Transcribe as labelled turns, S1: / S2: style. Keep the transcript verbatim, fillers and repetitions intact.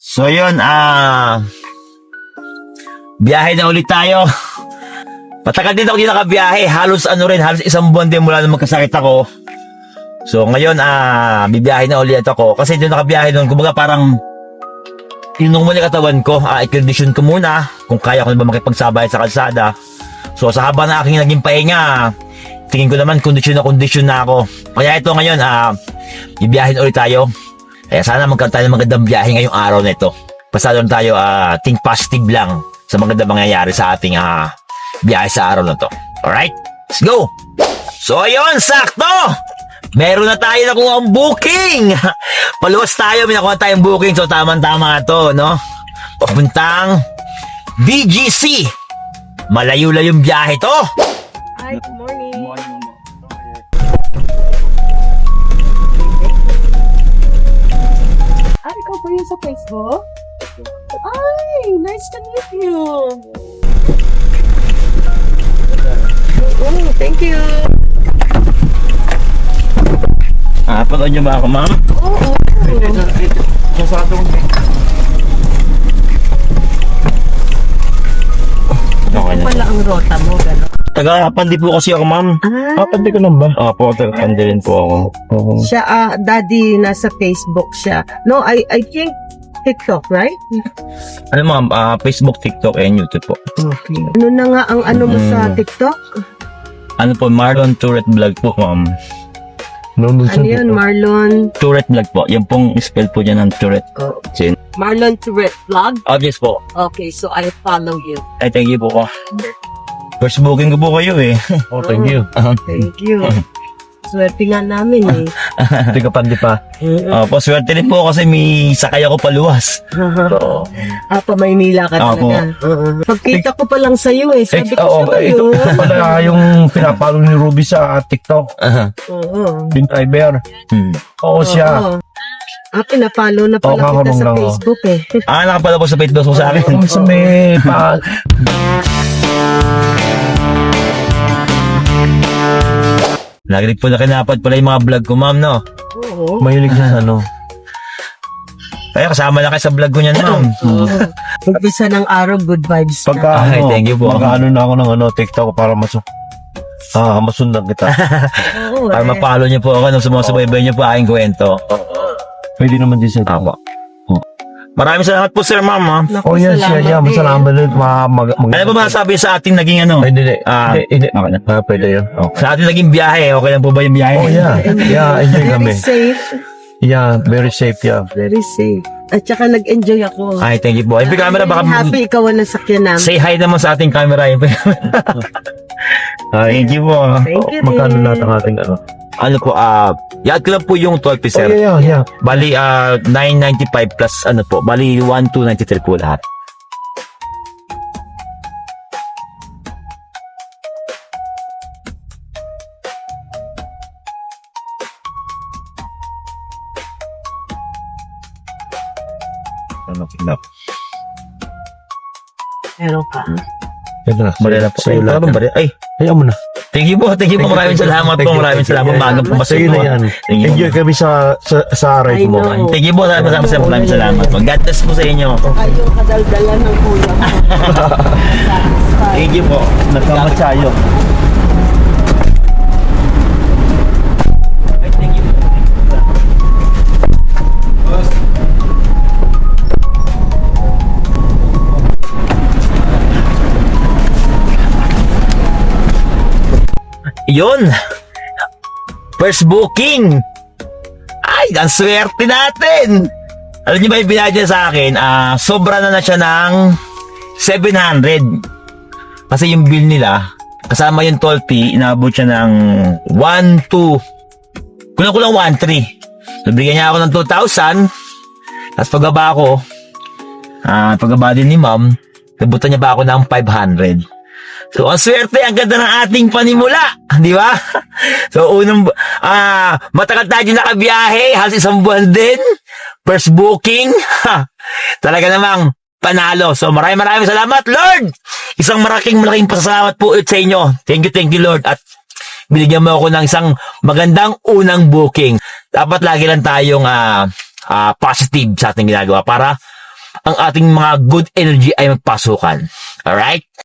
S1: So yun, ah, biyahe na ulit tayo. Patagal din ako din nakabiyahe. Halos ano rin, halos isang buwan din mula nung magkasakit ako. So ngayon, ah, bibiyahe na ulit ako. Kasi doon nakabiyahe doon, kumbaga parang tinunong mo na yung katawan ko. Ah, i-condition ko muna kung kaya ko na ba makipagsabay sa kalsada. So sa haba na aking naging pahinga, tingin ko naman kondisyon na kondisyon na ako. Kaya ito ngayon, ah, bibiyahe na ulit tayo. Kaya sana magkaroon tayo ng magandang biyahe ngayong araw na ito. Basta doon tayo, uh, think positive lang sa magandang mangyayari sa ating uh, biyahe sa araw na to. Alright? Let's go! So ayun, sakto! Meron na tayo nakuha ang booking! Paluwas tayo, may nakuha tayong booking. So tama-tama to, no? Papuntang B G C. Malayo-layong biyahe to.
S2: Hi, good morning.
S3: Good morning, Mama.
S2: Ah, ikaw ba yun sa Facebook? Ay, nice to meet you. Oh, thank you.
S1: Ah, panood niyo ba ako, ma'am?
S2: Oo.
S1: Okay na.
S2: Wala ang rota mo, gano'n.
S1: Taga-pandi po kasi ako, ma'am.
S2: Ah,
S1: Pandi ko lang ba? Opo, taga-pandi rin po ako. Oo.
S2: siya, ah, daddy, nasa Facebook siya. No, I, I think TikTok, right?
S1: Ano, ma'am? Ah, Facebook, TikTok, and YouTube po.
S2: Okay. Ano na nga ang ano mo sa
S1: Mm.
S2: TikTok?
S1: Ano po, Marlon Tourette Vlog po, ma'am.
S2: Ano yun, Marlon?
S1: Tourette Vlog po. Yan pong spell po dyan ng Tourette.
S2: Oh.
S1: Sin.
S2: Marlon Tourette Vlog?
S1: Obvious po.
S2: Okay, so I follow you.
S1: Ay, thank you po ko. First booking ko po kayo eh.
S3: Oh, thank you.
S2: Thank you. Swerte nga namin eh.
S3: Hindi ka pandi pa.
S1: Opo, swerte rin po kasi may sakay ako paluwas. So,
S2: Ah, pa Maynila ka
S1: Ako.
S2: talaga. Uh-uh. Pagkita ko pa lang sa'yo eh. Sabi
S3: Eh,
S2: ko
S3: oo,
S2: sa
S3: eh, ito
S2: iyo.
S3: pala yung pinapalo ni Ruby sa TikTok.
S1: aha.
S2: Oo.
S3: Yung driver.
S1: Hmm.
S3: Oo siya.
S2: Oo. Ah, pinapalo na pala
S3: Oo,
S2: kita
S3: kakamang
S2: sa
S3: lang, oh.
S2: Facebook eh.
S1: Ah, nakapala po sa Facebook mo sa akin.
S3: Kung sa may pa...
S1: Nagilig po na kinapad pala yung mga vlog ko, ma'am, no?
S2: Oo.
S3: Mahilig siya sa ano.
S1: Kaya kasama na kayo sa vlog ko niyan, ma'am.
S2: Oo. Umpisa ng araw, good vibes
S3: Pagka
S2: na.
S1: Ay,
S3: ano,
S1: thank you po.
S3: Magkaano na ako ng ano, TikTok para masu... Ah, masundan kita.
S2: Oo
S1: Para
S2: eh.
S1: mapalo niyo po ako nung sumusubaybay niyo po aking kwento.
S3: Pwede naman din sa
S1: Tama. Maraming salamat po, sir, ma'am, ha?
S2: Naku,
S3: Oh, yan siya.
S2: salamat
S3: Yan,
S2: eh.
S3: masalamat din. Ma, mag, mag,
S1: Ano ba masasabi sa ating naging ano?
S3: Ay, hindi, hindi.
S1: Ah,
S3: Hindi, hindi.
S1: okay na.
S3: Ah, pwede yun. Okay.
S1: Sa ating naging biyahe, okay lang po ba yung biyahe?
S3: Oh, yeah. Yeah, enjoy
S2: Very
S3: kami.
S2: safe.
S3: Yeah, very safe, yeah.
S2: Very safe. At saka nag-enjoy ako.
S1: Ay, thank you po. Ay, camera, baka
S2: Happy ikaw ang nasakyan namin.
S1: say hi naman sa ating camera. Thank you po. ah.
S2: Thank you.
S3: Magkano
S2: din.
S3: lahat ang ating ano?
S1: Ano po, ah, yad ko lang po yung twelve piece,
S3: Oh,
S1: sir.
S3: yeah, yeah, yeah.
S1: Bali, ah, nine ninety-five plus, ano po, bali, one two ninety-three po lahat.
S3: Ano, kinap.
S2: Meron ka.
S3: Ito na.
S1: Bali na po.
S3: Sa'yo
S1: Ay,
S3: lahat
S1: parang
S3: yan.
S1: bali. Ay,
S3: Hayaan mo na.
S1: thank you po, thank you po. Maraming salamat
S3: Thank
S1: po,
S3: you,
S1: maraming
S3: thank you.
S1: salamat. Maga po,
S3: Sa'yo na yan.
S1: Thank you.
S3: Enjoy kami sa sa, sa ride
S2: I
S3: mo.
S2: know.
S1: Thank you po, maraming salamat, sir. Maraming salamat po. God bless po sa inyo.
S2: Saka yung kadaldalan ng kuya mo. Satisfied.
S1: Thank you po.
S3: Nagkamatsayo.
S1: Ay, thank you po. Yun! First booking! Ay, ang swerte natin! Alam niyo ba yung binadya sa akin? Ah, sobra na na siya ng seven hundred. Kasi yung bill nila, kasama yung toll fee, inabot siya ng one two. Kulang-kulang one three. So, bigyan niya ako ng two thousand. Tapos pagbaba ko, ah, pagbaba din ni ma'am, nabutan niya pa ako ng five hundred. So, ang swerte, ang ganda ng ating panimula. Di ba? So, unang, ah, matagal tayo nakabiyahe, halos isang buwan din. First booking, ha, talaga namang panalo. So, maraming maraming salamat, Lord! Isang malaking malaking pasalamat po ulit sa inyo. Thank you, thank you, Lord. At binigyan mo ako ng isang magandang unang booking. Dapat lagi lang tayong ah, ah, positive sa ating ginagawa para ang ating mga good energy ay magpasukan. Alright?